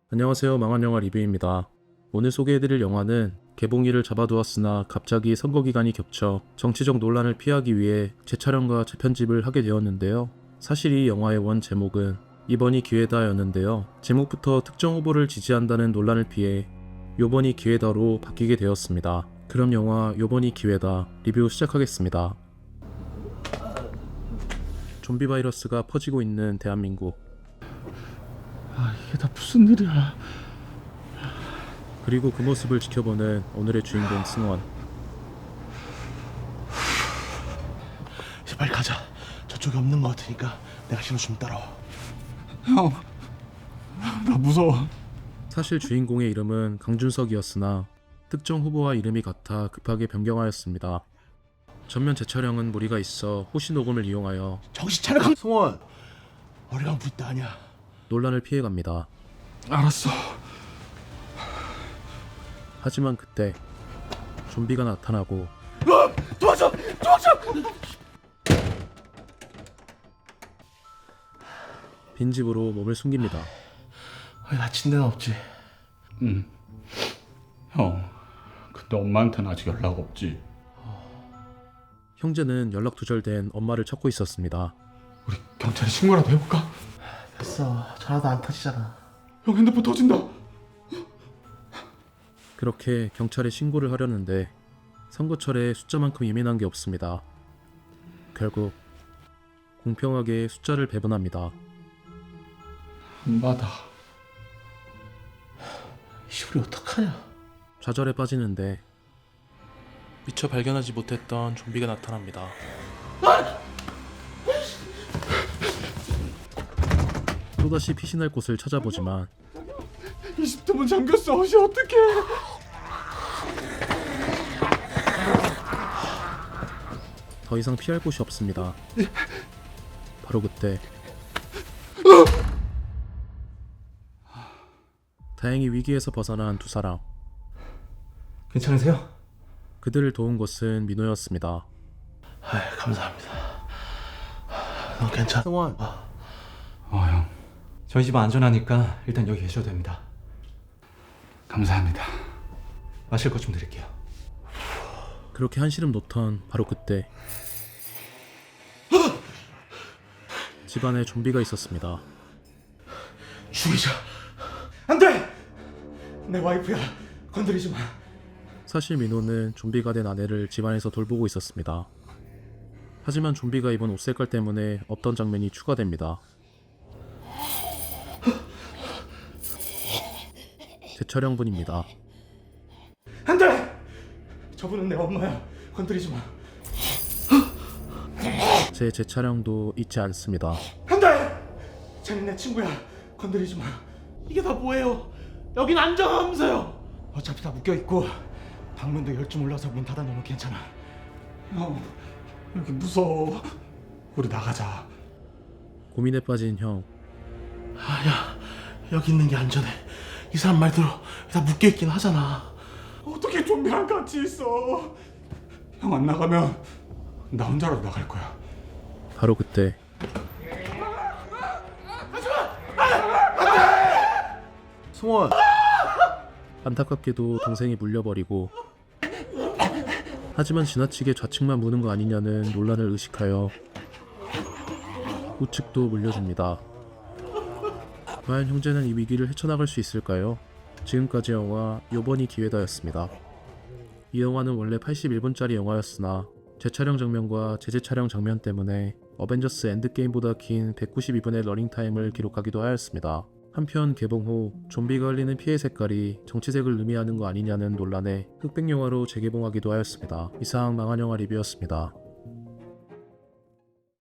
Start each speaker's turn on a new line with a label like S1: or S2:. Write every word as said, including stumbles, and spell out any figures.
S1: 안녕하세요. 망한영화 리뷰입니다. 오늘 소개해드릴 영화는 개봉일을 잡아두었으나 갑자기 선거기간이 겹쳐 정치적 논란을 피하기 위해 재촬영과 재편집을 하게 되었는데요. 사실 이 영화의 원 제목은 이번이 기회다 였는데요. 제목부터 특정 후보를 지지한다는 논란을 피해 요번이 기회다로 바뀌게 되었습니다. 그럼 영화 요번이 기회다 리뷰 시작하겠습니다. 좀비 바이러스가 퍼지고 있는 대한민국.
S2: 아, 이게 다 무슨 일이야?
S1: 그리고 그 모습을 지켜보는 오늘의 주인공 승원.
S2: 이제 빨리 가자. 저쪽에 없는 것 같으니까 내가 신호 좀 따라와.
S3: 형, 나 무서워.
S1: 사실 주인공의 이름은 강준석이었으나 특정 후보와 이름이 같아 급하게 변경하였습니다. 전면 재촬영은 무리가 있어 호시 녹음을 이용하여
S2: 정신 차려, 강승원. 머리가 안 부있다 아니야.
S1: 논란을 피해갑니다.
S3: 알았어.
S1: 하지만 그때 좀비가 나타나고
S2: 어, 도와줘, 도와줘.
S1: 빈집으로 몸을 숨깁니다.
S2: 왜 다친 데는 없지?
S3: 응. 형, 근데 엄마한테는 아직 연락 없지.
S1: 형제는 연락 두절된 엄마를 찾고 있었습니다.
S3: 우리 경찰에 신고라도 해볼까?
S2: 됐어. 전화도 안 터지잖아.
S3: 형 핸드폰 터진다.
S1: 그렇게 경찰에 신고를 하려는데 선거철에 숫자만큼 예민한 게 없습니다. 결국 공평하게 숫자를 배분합니다.
S3: 안 받아.
S2: 이 우리 어떡하냐?
S1: 좌절에 빠지는데 미처 발견하지 못했던 좀비가 나타납니다. 또다시 피신할 곳을 찾아보지만
S3: 이십 대 문 잠겼어. 이제 어떡해?
S1: 더 이상 피할 곳이 없습니다. 바로 그때 다행히 위기에서 벗어난 두 사람.
S2: 괜찮으세요?
S1: 그들을 도운 것은 민호였습니다.
S2: 아, 감사합니다. 너 괜찮아? 승원.
S3: 어, 형.
S4: 저희 집은 안전하니까 일단 여기 계셔도 됩니다.
S3: 감사합니다.
S4: 마실 것 좀 드릴게요.
S1: 그렇게 한시름 놓던 바로 그때 집안에 좀비가 있었습니다.
S2: 죽이자. 안 돼. 내 와이프야. 건드리지 마.
S1: 사실 민호는 좀비가 된 아내를 집안에서 돌보고 있었습니다. 하지만 좀비가 입은 옷 색깔 때문에 없던 장면이 추가됩니다. 재촬영분입니다.
S2: 안 돼. 저분은 내 엄마야. 건드리지 마.
S1: 제 재촬영도 잊지 않습니다.
S2: 안 돼. 쟤는 내 친구야. 건드리지 마. 이게 다 뭐예요? 여긴 안전하면서요. 어차피 다 묶여 있고 방문도 열 줄 몰라서 문 닫아놓으면 괜찮아.
S3: 형, 여기 무서워. 우리 나가자.
S1: 고민에 빠진 형.
S2: 아야, 여기 있는 게 안전해. 이 사람 말대로 다 묶여 있긴 하잖아.
S3: 어떻게 좀비랑 같이 있어? 형 안 나가면 나 혼자라도 나갈 거야.
S1: 바로 그때
S2: 승원.
S1: 안타깝게도 동생이 물려버리고, 하지만 지나치게 좌측만 무는 거 아니냐는 논란을 의식하여 우측도 물려줍니다. 과연 형제는 이 위기를 헤쳐나갈 수 있을까요? 지금까지 영화 요번이 기회다였습니다. 이 영화는 원래 팔십일 분짜리 영화였으나 재촬영 장면과 재재촬영 장면 때문에 어벤져스 엔드게임보다 긴 백구십이 분의 러닝타임을 기록하기도 하였습니다. 한편 개봉 후 좀비가 흘리는 피해 색깔이 정치색을 의미하는 거 아니냐는 논란에 흑백 영화로 재개봉하기도 하였습니다. 이상 망한 영화 리뷰였습니다.